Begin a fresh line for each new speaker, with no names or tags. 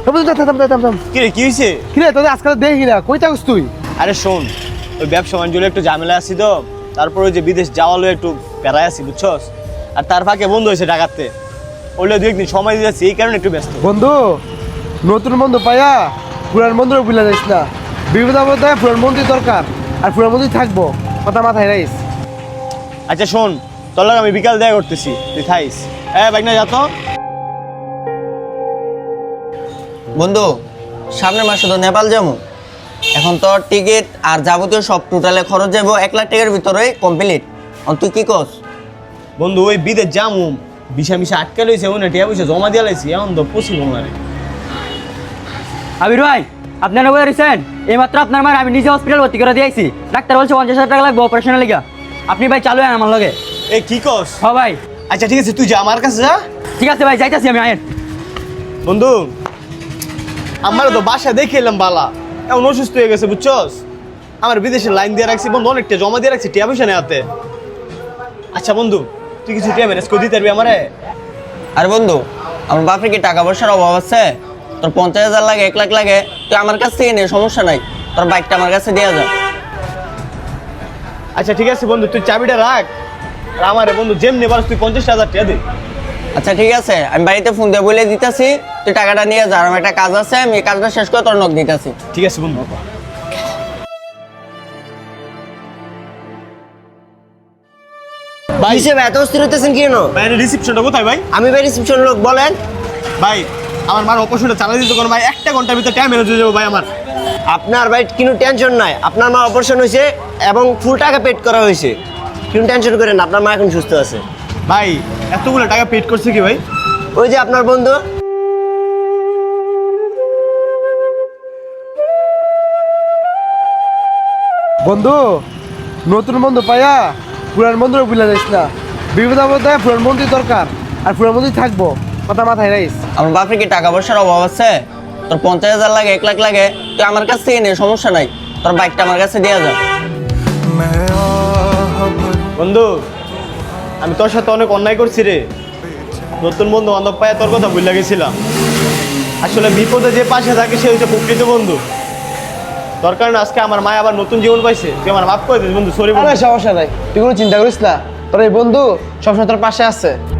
কি রে কি হইছে?
কি রে তোদের আজকাল দেখি না, কই থাকস তুই?
আরে শোন, ওই ব্যবসা বাণিজ্য একটু ঝামেলা আছি তো, তারপর ওই যে বিদেশ যাওয়ালো একটু প্যারায় আছি বুঝছস। আর তার ফাঁকে বন্ধু হয়েছে ঢাকাতে, ওইলে দু একদিন সময় দিয়ে যাচ্ছি, এই কারণে একটু ব্যস্ত।
বন্ধু, নতুন বন্ধু পাইয়া পুরান বন্ধুরা ভুলে যাইস না। বিপদ আপদে পুরান বন্ধুই দরকার, আর পুরান বন্ধুই থাকবো, কথা মাথায় রাইস।
আচ্ছা শোন, তোর লাগে আমি বিকাল দেখা করতেছি, তুই থাইস। বাইক না যাতো।
বন্ধু, সামনের মাসে তো নেপাল যাবো। এখন তো টিকিট আর যাবতীয় সব টোটালে খরচ যাবো 1 লাখ টাকার ভিতরে কমপ্লিট। তুই কি কস?
বন্ধু ওই বিদেশ যামু, বিষা মিশা আটকে লইছে, ওই না টিয়া পয়সা জমা দিয়ে লাইছি, এখন তো পসিবল না রে।
আবির ভাই, আপনার নগর রিসেন এইমাত্র আপনার মার আমি নিজে হসপিটাল ভর্তি করে দিয়েছি। ডাক্তার বলছে 50,000 টাকা লাগবে অপারেশনের লিগা। আপনি ভাই চালু হন আমার লগে।
এই কি কস?
হ্যাঁ ভাই।
আচ্ছা ঠিক আছে, তুই যা আমার কাছে যা।
ঠিক আছে ভাই, যাইতাছি আমি। আয়েন
বন্ধু, আমার তো বাসা দেখে এলাম বালা, এমন অসুস্থ হয়ে গেছে বুঝছস। আমার বিদেশে লাইন দিয়ে রাখছি বন্ধু, অনেকটা জমা দিয়ে রাখছি টিয়া পয়সা নেওয়াতে। আচ্ছা বন্ধু, তুই কিছু টিয়া ম্যানেজ করে দিতে পারবি আমারে?
আর বন্ধু, আমার বাপের কি টাকা পয়সার অভাব আছে? তোর 50,000 লাগে, 1 লাখ লাগে, তুই আমার কাছ থেকে নে, সমস্যা নাই। তোর বাইকটা আমার কাছে দেওয়া যা।
আচ্ছা ঠিক আছে বন্ধু, তুই চাবিটা রাখ, আর আমারে বন্ধু যেমনি পারস তুই 50,000 টাকা দে।
আচ্ছা ঠিক আছে, আমি বাড়িতে ফোন দিয়ে বলে দিতেছি, তুই টাকাটা নিয়ে যা। আমার একটা কাজ আছে, আমি এই কাজটা শেষ করে তোর নক দিতেছি।
ঠিক আছে বন্ধু।
ভাই হিসেবে এত অস্থির হইতেছেন কেন?
ভাই রিসিপশনটা কোথায় ভাই?
আমি ভাই রিসেপশন লোক, বলেন।
ভাই আমার মার অপারেশনটা চালাই দিতে কোনো ভাই, 1 ঘন্টার ভিতরে টাইম ম্যানেজ হয়ে যাবো ভাই আমার।
আপনার ভাই কোনো টেনশন নাই, আপনার মা অপারেশন হয়েছে এবং ফুল টাকা পেড করা হয়েছে। কোনো টেনশন করেন না, আপনার মা এখন সুস্থ আছে।
ভাই এতগুলো টাকা পেড করছে কি ভাই?
ওই যে আপনার বন্ধু।
বন্ধু, নতুন বন্ধু পাইয়া পুরান বন্ধুরা ভুলে যাইস না। বিপদ আপদে পুরান বন্ধুই দরকার, আর পুরান বন্ধুই থাকবো, কথা মাথায় রাইস।
আমার বাপের কি টাকা পয়সার অভাব আছে? তোর 50,000 লাগে, 1 লাখ লাগে, তুই আমার কাছ থেকে নে, সমস্যা নাই। তোর বাইকটা আমার কাছে দেওয়া যা।
বন্ধু, আমি তোর সাথে অনেক অন্যায় করছি রে। নতুন বন্ধু বান্ধব পাইয়া তোর কথা ভুলে গেছিলাম। আসলে বিপদে যে পাশে থাকে সে হচ্ছে প্রকৃত বন্ধু। তোর কারণে আজকে আমার মা আবার নতুন জীবন পাইছে, তুই আমার মাফ করে দিস বন্ধু, সরি বন্ধু।
সমস্যা নাই, তুই কোনো চিন্তা করিস না, তোর এই বন্ধু সবসময় তোর পাশে আছে।